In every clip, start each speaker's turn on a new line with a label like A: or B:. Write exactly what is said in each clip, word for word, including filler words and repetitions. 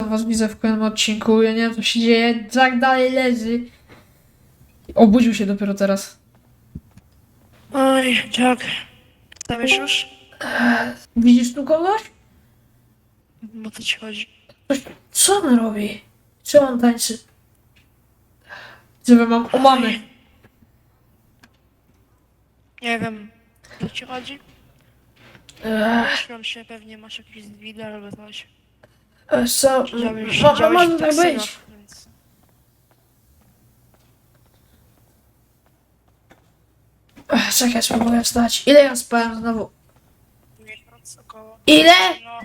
A: was widzę w kolejnym odcinku. Ja nie wiem, co się dzieje. Jack dalej leży. Obudził się dopiero teraz.
B: Oj, Jack. Stawisz już?
A: Widzisz tu kogoś?
B: Bo to ci chodzi.
A: Coś, co on robi? Czy on tańczy? Żeby mam o mamy.
B: Nie wiem, o co ci chodzi?
A: Ech,
B: Myślałem się, pewnie masz jakieś zwidy albo coś.
A: ech, co?
B: Siedziałeś,
A: No, no
B: siedziałeś
A: może
B: w
A: tak
B: taksynach,
A: być.
B: więc...
A: Ech, czekaj, spróbuję wstać. Ile ja spałem znowu?
B: Miesiąc około.
A: Ile?
B: No,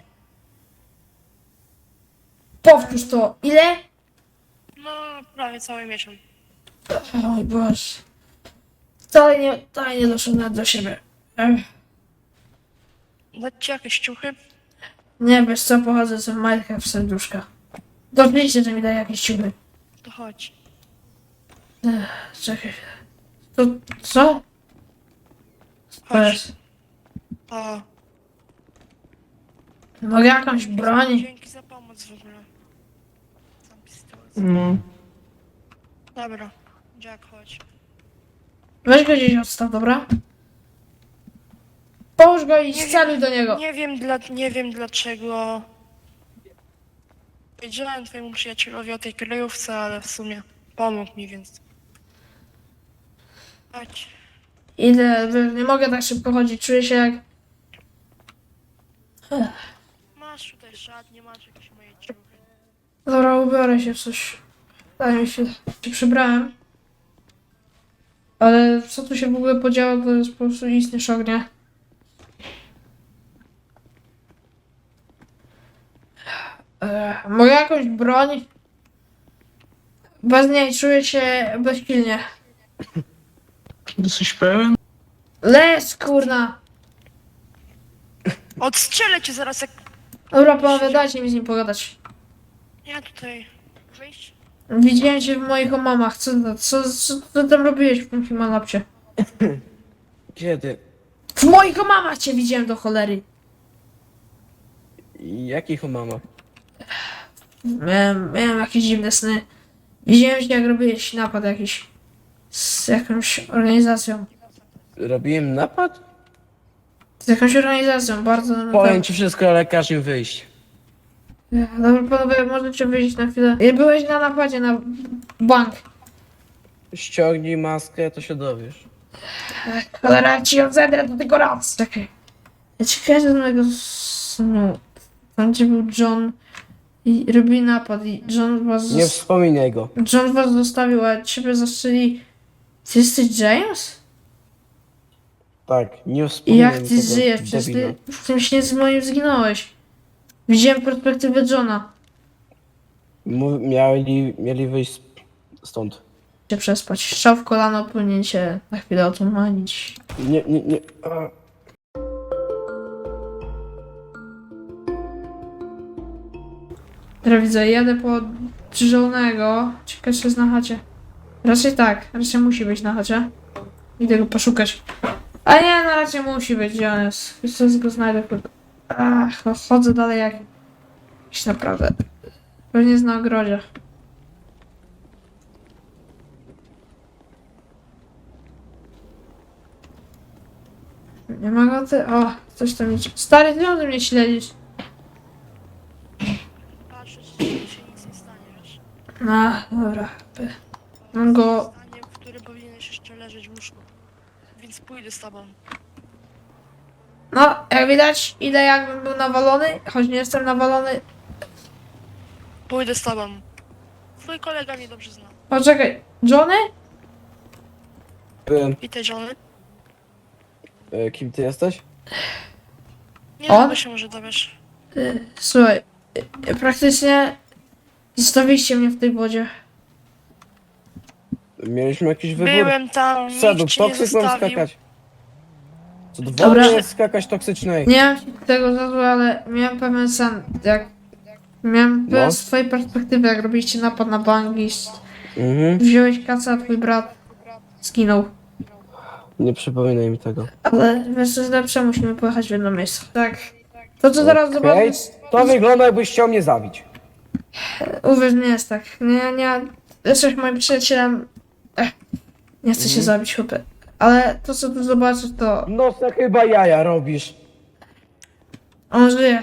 A: Powtórz to. Ile?
B: no, prawie cały miesiąc.
A: Oj Boże. Wcale nie, wcale nie doszedłem do siebie. Ech.
B: Dać ci jakieś ciuchy?
A: Nie, wiesz co, pochodzę z majtka w serduszka. To oczywiście, że mi daje jakieś ciuchy.
B: To chodź.
A: Ech, czekaj. To co? To
B: Chodź.
A: jest.
B: O,
A: Mogę jakąś broń?
B: dzięki za pomoc w ogóle. Sam pistolet.
A: No.
B: Dobra, Jack, chodź.
A: Weź go gdzieś odstaw, dobra? Połóż go i
B: Nie
A: sceluj do niego.
B: Nie wiem, dla, nie wiem dlaczego powiedziałem twojemu przyjacielowi o tej kryjówce, ale w sumie pomógł mi, więc... Chodź.
A: Idę, wiesz, nie mogę tak szybko chodzić, czuję się jak... Ech.
B: Masz tutaj szatnie, masz jakieś moje ciuchy.
A: Dobra, ubiorę się w coś. Daj mi się... się przybrałem. Ale co tu się w ogóle podziało, to jest po prostu istny szok, nie? Ech, mogę jakąś broń? Bez niej czuję się bezsilnie.
C: Jesteś pełen?
A: Les, kurna!
B: Odstrzelę cię zaraz jak...
A: Dobra, panowie, dajcie mi z nim pogadać.
B: Ja tutaj... Wyjść?
A: Widziałem cię w moich omamach. Co, co, co, co tam robiłeś w tym Himalapsie?
C: Kiedy?
A: W moich omamach cię widziałem do cholery.
C: Jakich mama?
A: Miałem, miałem jakieś dziwne sny. Widziałem cię, jak robiłeś napad jakiś. Z jakąś organizacją.
C: Robiłem napad?
A: Z jakąś organizacją, bardzo...
C: Powiem ci wszystko, ale każ im wyjść.
A: Dobra, panowie, możecie wyjść na chwilę. Byłeś na napadzie na bank.
C: Ściągnij maskę, to się dowiesz.
A: Cholera, jak ci ją zedrę, to tylko raz. Czekaj. Ja ci kojarzę z mojego snu. Tam, gdzie był John i robili napad i John was...
C: Nie
A: zos-
C: wspominaj go.
A: John was zostawił, a ciebie zastrzeli... Ty jesteś James?
C: Tak, nie
A: I
C: wspominaj
A: jak
C: mi
A: ty
C: tego
A: żyjesz? Przecież
C: debila.
A: ty w tym śnie z moim zginąłeś. Widziałem perspektywę Johna.
C: Mów- Mieli, mieli wyjść stąd.
A: Się przespać. Strzał w kolano, powinien się na chwilę otumanić.
C: Nie, nie, nie. A.
A: Teraz widzę, jadę po drżonego. Ciekawe, czy jest na chacie. Raczej tak, raczej musi być na chacie. Idę go poszukać. A nie, no raczej musi być, gdzie on jest. Wiesz co, go znajdę. kurde. Ach, no chodzę dalej jak... Jakiś naprawdę... Pewnie jest na ogrodzie. Nie ma go ty... O, coś tam idzie. Stary, ty ode mnie śledzisz.
B: Patrzę, czy ci się nic nie stanie, wiesz?
A: No, dobra. Mam go...
B: Stanie, w którym powinieneś jeszcze leżeć w łóżku. Więc pójdę z tobą.
A: No, jak widać, idę jakbym był nawalony, choć nie jestem nawalony.
B: Pójdę z tobą. Twój kolega mnie dobrze zna.
A: Poczekaj, Johnny?
C: Byłem.
B: Witaj, Johnny.
C: E, kim ty jesteś?
B: Nie
A: On?
B: długo się może dowiesz.
A: Y, Słuchaj, y, praktycznie zostawiliście mnie w tej wodzie.
C: Mieliśmy jakiś wybór.
B: Byłem tam,
C: Sadu,
B: nikt cię nie
C: toksyk mam
B: zostawił.
C: skakać. Co do
A: Dobra.
C: wody jest skakać toksycznej.
A: Nie mam ci tego za złe, ale miałem pewien sen, jak... Miałem pewien
C: No.
A: z twojej perspektywy, jak robiliście napad na bank i s-
C: Mhm.
A: wziąłeś kasę, a twój brat zginął.
C: Nie przypominaj mi tego.
A: Ale wiesz co jest lepsze, musimy pojechać w jedno miejsce. Tak. To co zaraz
C: Okej,
A: zobaczysz...
C: to wygląda jakbyś chciał mnie zabić.
A: Uwierz, nie jest tak. Nie, nie, jesteś moim przyjacielem. Ech, nie chcę się
C: Mhm.
A: zabić, chłopie. Ale to, co tu zobaczysz, to
C: No to chyba jaja robisz.
A: on żyje.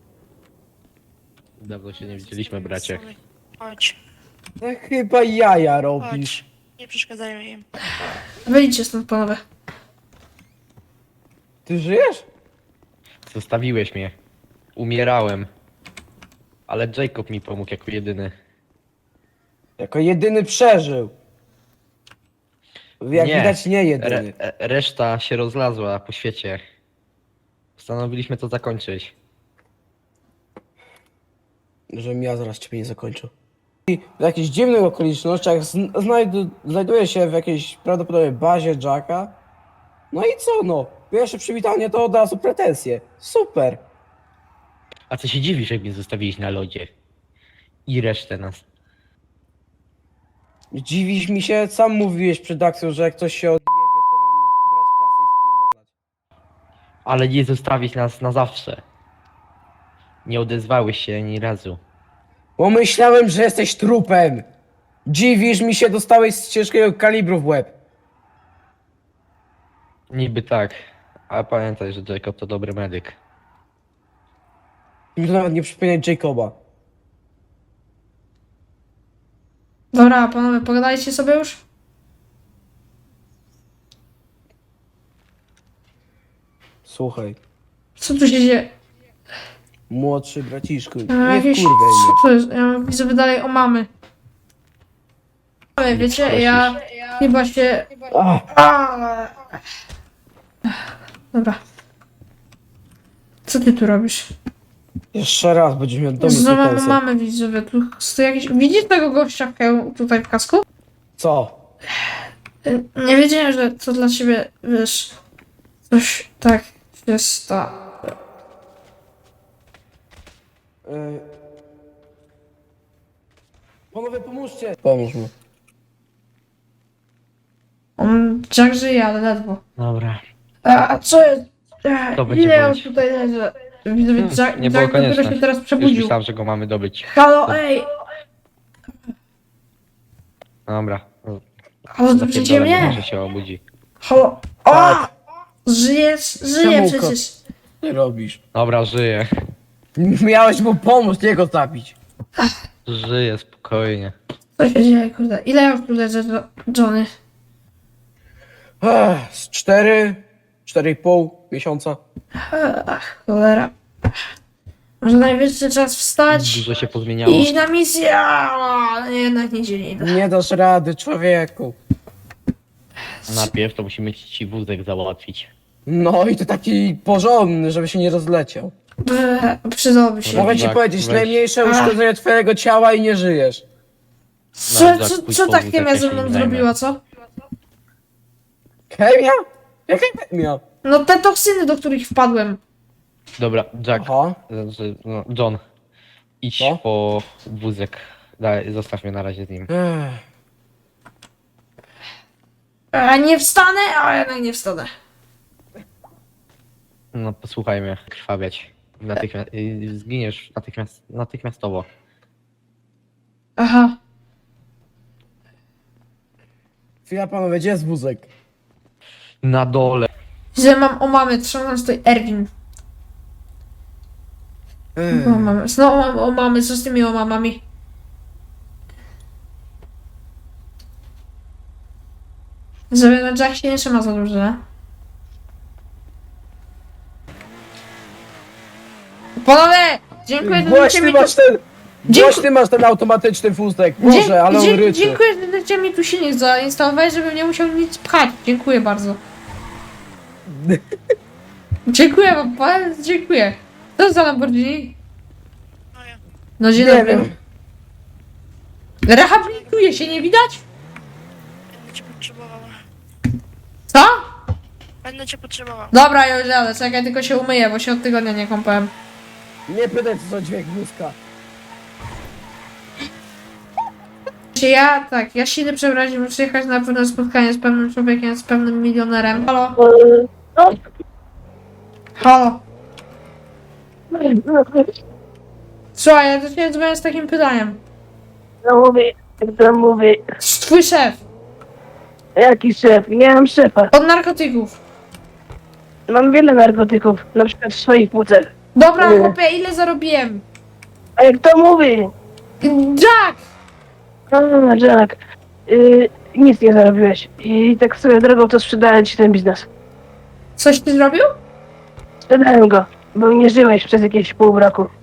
D: Dawno się nie widzieliśmy, bracie.
B: Sorry. Chodź,
C: To chyba jaja robisz.
B: chodź. Nie przeszkadzajmy im.
A: Wyjdźcie stąd, panowie.
C: Ty żyjesz?
D: Zostawiłeś mnie. Umierałem. Ale Jacob mi pomógł jako jedyny.
C: Jako jedyny przeżył. Jak
D: Nie.
C: widać nie
D: Re
C: jedyny.
D: e- reszta się rozlazła po świecie. Postanowiliśmy to zakończyć.
C: Żebym ja zaraz ciebie nie zakończył. I w jakichś dziwnych okolicznościach zn- znajdu- znajduję się w jakiejś prawdopodobnie bazie Jacka. No i co no? Pierwsze przywitanie to od razu pretensje. Super.
D: A co się dziwisz, jak mnie zostawiłeś na lodzie? I resztę nas.
C: Dziwisz mi się, sam mówiłeś przed akcją, że jak ktoś się odjebie, to mam brać kasę i spierdalać.
D: Ale nie zostawić nas na zawsze. Nie odezwałeś się ani razu.
C: Bo myślałem, że jesteś trupem. Dziwisz mi się, dostałeś z ciężkiego kalibru w łeb.
D: Niby tak. Ale pamiętaj, że Jacob to dobry medyk.
C: Mi to nawet nie przypominać Jacoba.
A: Dobra, panowie, pogadajcie sobie już?
C: Słuchaj,
A: Co tu się dzieje?
C: młodszy braciszku,
A: A,
C: nie
A: jakieś...
C: wkurwiaj mnie.
A: Co to jest? Ja widzę dalej o mamy. Ale wiecie, ja chyba się...
C: Ach,
A: A! Dobra. Co ty tu robisz?
C: jeszcze raz będziesz miał do mnie
A: Znowu
C: pretensje.
A: mamy widzowie, tu stoi jakiś... Widzisz tego gościa w hełm- tutaj w kasku?
C: Co?
A: Y, Nie wiedziałem, że to dla ciebie, wiesz... Coś tak się stało.
C: Y... Panowie, pomóżcie! Pomóż mu.
A: On Jack żyje, ale ledwo.
D: Dobra.
A: A, a co jest? A,
D: To będzie
A: ile ja
D: boleć.
A: już tutaj leżę? Widzowie,
D: Hmm,
A: Jack,
D: nie było
A: Jack dopiero
D: konieczne.
A: się teraz
D: Już
A: przebudził.
D: myślałem, że go mamy dobyć.
A: Halo, ej!
D: Dobra.
A: Halo, słyszycie
D: Zapierdolę,
A: mnie?
D: może się obudzi.
A: Halo, o!
C: Tak.
A: Żyjesz, żyje
C: Czemu
A: przecież.
C: Co ty robisz?
D: Dobra, żyję.
C: Miałeś mu pomóc, nie go zabić.
D: Żyję spokojnie.
A: Co się dzieje, kurde? Ile ja już tu leżę, Jo- Johnny?
C: Ech, z cztery, cztery i pół miesiąca.
A: Ach, cholera. Może najwyższy czas wstać
D: Dużo się
A: i
D: pozmieniało.
A: iść na misję, ale jednak nie dzieli.
C: Nie dasz rady, człowieku.
D: Najpierw to musimy ci wózek załatwić.
C: No i to taki porządny, żeby się nie rozleciał.
A: Przydałoby się.
C: Mogę ci
D: Tak,
C: powiedzieć,
D: weź.
C: najmniejsze
A: Ach.
C: uszkodzenie twojego ciała i nie żyjesz.
A: Co,
D: Jack,
A: co,
D: pójdź
A: co
D: po
A: ta
D: wózek,
A: chemia
D: ja
A: ze
D: się
A: mną
D: nim zajmę.
A: zrobiła, co?
C: Chemia? Jaka chemia?
A: No te toksyny, do których wpadłem.
D: Dobra, Jack.
C: Aha.
D: Znaczy, no, John. Idź
C: Co?
D: po wózek. Daj, zostaw mnie na razie z nim.
C: Ech.
A: A nie wstanę, a jednak nie wstanę.
D: No posłuchaj mnie. Krwawiać. Natychmiast, y, zginiesz natychmiast, natychmiastowo.
A: Aha.
C: Chwila panowie, gdzie jest wózek?
D: Na dole.
A: Że mam o mamy, trzymam stoi Erwin.
C: Ech.
A: O mamy. Znowu mam o mamy, co z tymi o mamami? Żeby na Jack się nie trzyma za dużo, nie? Panowie! Dziękuję, że dajcie
C: Głośny
A: mi
C: masz ten...
A: Dziękuję.
C: Głośny masz ten automatyczny wózek.
A: Dzie-
C: Boże, ale on
A: dzie-
C: ryczy.
A: Dziękuję, że dajcie mi tu silnik zainstalować, żebym nie musiał nic pchać. Dziękuję bardzo. Dziękuję wam, pan, dziękuję. Co za Lamborghini?
B: No ja.
A: No dzień
C: Nie
A: dobry.
C: wiem.
A: Rehabilituje się, nie widać?
B: Będę cię potrzebowała.
A: Co?
B: Będę cię potrzebowała.
A: Dobra, już jadę, czekaj, tylko się umyję, bo się od tygodnia nie kąpałem.
C: Nie pytaj co za dźwięk wózka.
A: Ja, tak, ja się idę przebrać, muszę przyjechać na pewne spotkanie z pewnym człowiekiem, z pewnym milionerem. Halo? Halo? Słuchaj, ja do ciebie dzwonię z takim pytaniem.
E: No mówię, jak to mówię,
A: Twój szef,
E: jaki szef? Nie mam szefa.
A: od narkotyków.
E: Mam wiele narkotyków, na przykład w swoich płucach.
A: Dobra,
E: Nie.
A: chłopie, ile zarobiłem?
E: A jak to mówi?
A: Jack!
E: A, Jack, yy, nic nie zarobiłeś. I tak swoją drogą to sprzedałem ci ten biznes.
A: Coś ty zrobił?
E: Sprzedałem go, bo nie żyłeś przez jakieś pół roku.